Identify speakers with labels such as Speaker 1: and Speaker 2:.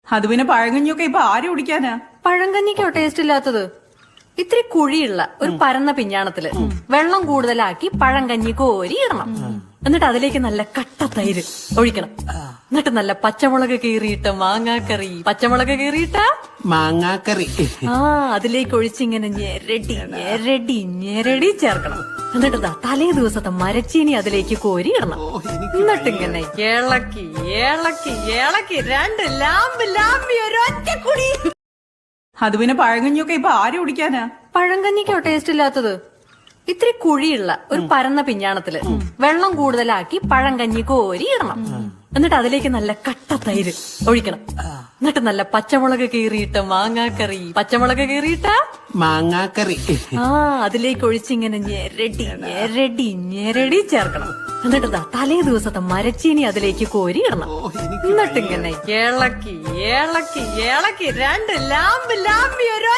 Speaker 1: അത് പിന്നെ പഴങ്കഞ്ഞിയൊക്കെ ഇപ്പൊ ആര് കുടിക്കാനാ?
Speaker 2: പഴങ്കഞ്ഞിക്കോ ടേസ്റ്റ് ഇല്ലാത്തത്? ഇത്തിരി കുഴിയുള്ള ഒരു പരന്ന പിഞ്ഞാണത്തില് വെള്ളം കൂടുതലാക്കി പഴങ്കഞ്ഞി കോരി ഇടണം. എന്നിട്ട് അതിലേക്ക് നല്ല കട്ട തൈര് ഒഴിക്കണം. എന്നിട്ട് നല്ല പച്ചമുളക് കീറിയിട്ട മാങ്ങാക്കറി, പച്ചമുളക് കീറിയിട്ട
Speaker 3: മാങ്ങാക്കറി
Speaker 2: അതിലേക്ക് ഒഴിച്ചിങ്ങനെ ഞെരടി ഞെരടി ഞെരടി ചേർക്കണം. എന്നിട്ട് തലേ ദിവസത്തെ മരച്ചീനി അതിലേക്ക് കോരി ഇടണം. എന്നിട്ടിങ്ങനെ ഇളക്കി ഇളക്കി ഇളക്കി രണ്ട് ലാമ്പ് ലാമ്പി ഒരൊറ്റ കുടി.
Speaker 1: അത് പിന്നെ പഴങ്കഞ്ഞിയൊക്കെ ഇപ്പൊ ആര് കുടിക്കാനാ?
Speaker 2: പഴങ്കഞ്ഞിക്കോ ടേസ്റ്റ് ഇല്ലാത്തത്? ഇത്തിരി കുഴിയുള്ള ഒരു പരന്ന പിഞ്ഞാണത്തില് വെള്ളം കൂടുതലാക്കി പഴങ്കഞ്ഞി കോരി ഇടണം. എന്നിട്ട് അതിലേക്ക് നല്ല കട്ട തൈര് ഒഴിക്കണം. എന്നിട്ട് നല്ല പച്ചമുളക് കീറിയിട്ട മാങ്ങാക്കറി, പച്ചമുളക് കീറിയിട്ട
Speaker 3: മാങ്ങാക്കറി
Speaker 2: അതിലേക്ക് ഒഴിച്ചിങ്ങനെ ഞെരടി ഞെരടി ഞെരടി ചേർക്കണം. എന്നിട്ട് തലേ ദിവസത്തെ മരച്ചീനി അതിലേക്ക് കോരി ഇടണം. എന്നിട്ടിങ്ങനെ ഇളക്കി ഇളക്കി ഇളക്കി രണ്ട് ലാമ്പ് ലാമ്പി ഒരൊറ്റ